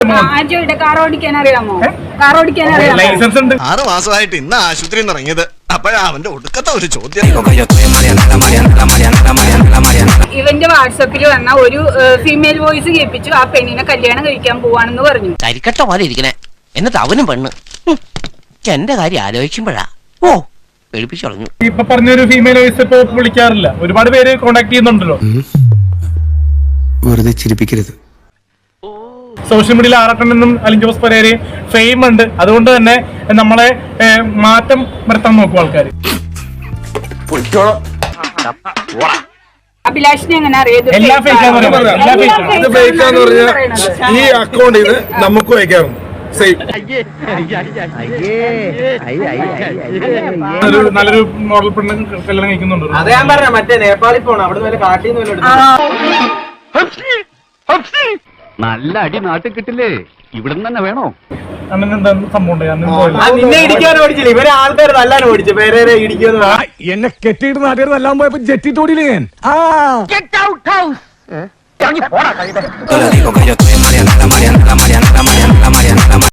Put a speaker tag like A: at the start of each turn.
A: Car ഓടിക്കാൻ അറിയാമോ? Car ഓടിക്കാൻ അറിയാമോ?
B: ലൈസൻസ് ഉണ്ട്.
C: 6 മാസമായിട്ട് ഇന്ന് ആശുപത്രിയിൽ നിന്ന് ഇറങ്ങിയത്. അപ്പോഴാ അവന്റെ ഒടുക്കത്തെ ഒരു ചോദ്യം.
A: ഇവന്റെ വാട്സപ്പിൽ വന്ന ഒരു ഫീമെയിൽ വോയിസ് കേൾപ്പിച്ചു. ആ പെണ്ണിനെ കല്യാണം കഴിക്കാൻ പോവാണെന്ന് പറഞ്ഞു.
D: കരിക്കട്ട പോലെ ഇരിക്കണേ. എന്നിട്ട് അവനും പെണ്ണ്. എന്റെ കാര്യം ആലോചിക്കുമ്പോഴാ പേടിപ്പിച്ചു കളഞ്ഞു.
B: ഇപ്പൊ പറഞ്ഞൊരു ഫീമെയിൽ വോയിസ് ഇപ്പൊ വിളിക്കാറില്ല. ഒരുപാട് പേര് കോണ്ടാക്ട് ചെയ്യുന്നുണ്ടല്ലോ.
E: വെറുതെ ചിരിപ്പിക്കരുത്.
B: സോഷ്യൽ മീഡിയയിൽ ആറട്ടനും അലിൻ ജോസ് പെരേരയും ഫെയിം ഉണ്ട്. അതുകൊണ്ട് തന്നെ നമ്മളെ മാറ്റം വരുത്താൻ നോക്കും ആൾക്കാർ.
A: അഭിലാഷിനെ എങ്ങനെ അറിയാം?
B: എല്ലാ ഫേക്കാന്ന്
F: പറഞ്ഞാൽ ഈ അക്കൗണ്ട് ഇത് നമുക്ക് വയ്ക്കാറുണ്ട്.
B: നല്ലൊരു മോഡൽ പെണ്ണ് കല്യാണം കഴിക്കുന്നുണ്ട്.
G: അത് ഞാൻ പറഞ്ഞ മറ്റേ നേപ്പാളിൽ പോണം. അവിടെ നിന്ന് കാട്ടിൽ നിന്ന്
H: നല്ല അടി നാട്ടിൽ കിട്ടില്ലേ? ഇവിടെ തന്നെ വേണോ?
B: അങ്ങനെ എന്താ സംഭവം?
G: നിന്നെ ഇടിക്കാൻ ഓടിച്ചില്ല. ഇവരെ ആൾക്കാർ നല്ലാൻ ഓടിച്ചു. പേരെ ഇടിക്കുമെന്ന്
E: എന്നെ കെട്ടിയിട്ട് നാട്ടുകാർ നല്ലാൻ പോയപ്പോ ജെറ്റി തോടിയില്ലേ ഞാൻ